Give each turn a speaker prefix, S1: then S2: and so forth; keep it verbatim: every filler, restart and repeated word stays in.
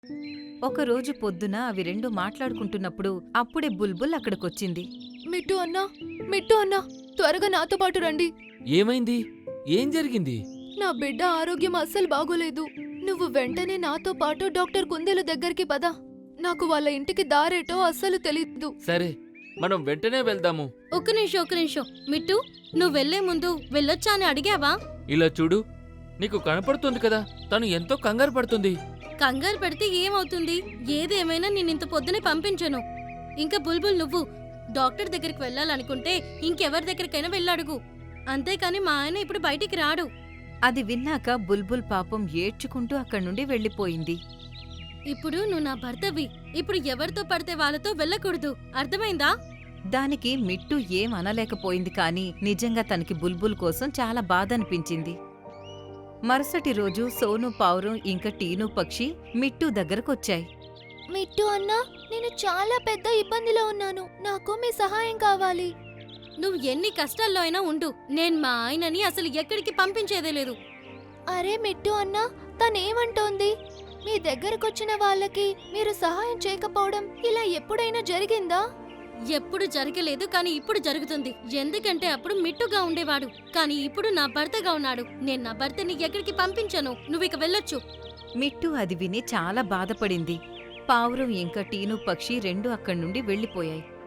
S1: ఒకరోజు పొద్దున అవి రెండు మాట్లాడుకుంటున్నప్పుడు అప్పుడే బుల్బుల్ అక్కడికొచ్చింది.
S2: మిట్టు అన్నా మిట్టు అన్నా త్వరగా నాతో పాటు రండి.
S3: ఏమైంది? ఏం జరిగింది?
S2: నా బిడ్డ ఆరోగ్యం అస్సలు బాగోలేదు. నువ్వు వెంటనే నాతో పాటు డాక్టర్ కుందేలు దగ్గరికి పద. నాకు వాళ్ళ ఇంటికి దారేటో అస్సలు తెలీదు.
S3: సరే, మనం వెంటనే వెళ్దాము.
S4: ఒక్క నిమిషం ఒక్క నిమిషం మిట్టు, నువ్వు వెళ్లే ముందు వెళ్ళొచ్చా అని అడిగావా?
S3: ఇలా చూడు, నీకు కనపడుతుంది కదా, తను ఎంతో కంగారు పడుతుంది.
S4: కంగారు పెడితే ఏమవుతుంది? ఏదేమైనా నేనింత పొద్దునే పంపించను. ఇంకా బుల్బుల్, నువ్వు డాక్టర్ దగ్గరికి వెళ్ళాలనుకుంటే ఇంకెవరి దగ్గరికైనా వెళ్ళడుగు. అంతేకాని మా ఆయన ఇప్పుడు బయటికి రాడు.
S1: అది విన్నాక బుల్బుల్ పాపం ఏడ్చుకుంటూ అక్కడ్నుండి వెళ్ళిపోయింది.
S4: ఇప్పుడు నువ్వు నా భర్తవి. ఇప్పుడు ఎవరితో పడితే వాళ్ళతో వెళ్ళకూడదు, అర్థమైందా?
S1: దానికి మిట్టు ఏం అనలేకపోయింది కాని నిజంగా తనకి బుల్బుల్ కోసం చాలా బాధ అనిపించింది. మరుసటి రోజు సోను పావురం ఇంకా టీను పక్షి మిట్టు దగ్గరకొచ్చాయి.
S2: మిట్టు అన్నా, నేను చాలా పెద్ద ఇబ్బందిలో ఉన్నాను. నాకు మీ సహాయం కావాలి.
S4: నువ్వు ఎన్ని కష్టాల్లో అయినా ఉండు, నేను మా ఆయనని అసలు ఎక్కడికి పంపించేదే లేదు.
S2: అరే మిట్టు అన్నా, తనేమంటోంది? మీ దగ్గరకొచ్చిన వాళ్ళకి మీరు సహాయం చేయకపోవడం ఇలా ఎప్పుడైనా జరిగిందా?
S4: ఎప్పుడు జరగలేదు, కానీ ఇప్పుడు జరుగుతుంది. ఎందుకంటే అప్పుడు మిట్టుగా ఉండేవాడు, కానీ ఇప్పుడు నా భర్తగా ఉన్నాడు. నేను నా భర్తని ఎక్కడికి పంపించను. నువ్విక వెళ్ళొచ్చు.
S1: మిట్టు అది విని చాలా బాధపడింది. పావురం ఇంకా టీను పక్షి రెండూ అక్కడ్నుండి వెళ్ళిపోయాయి.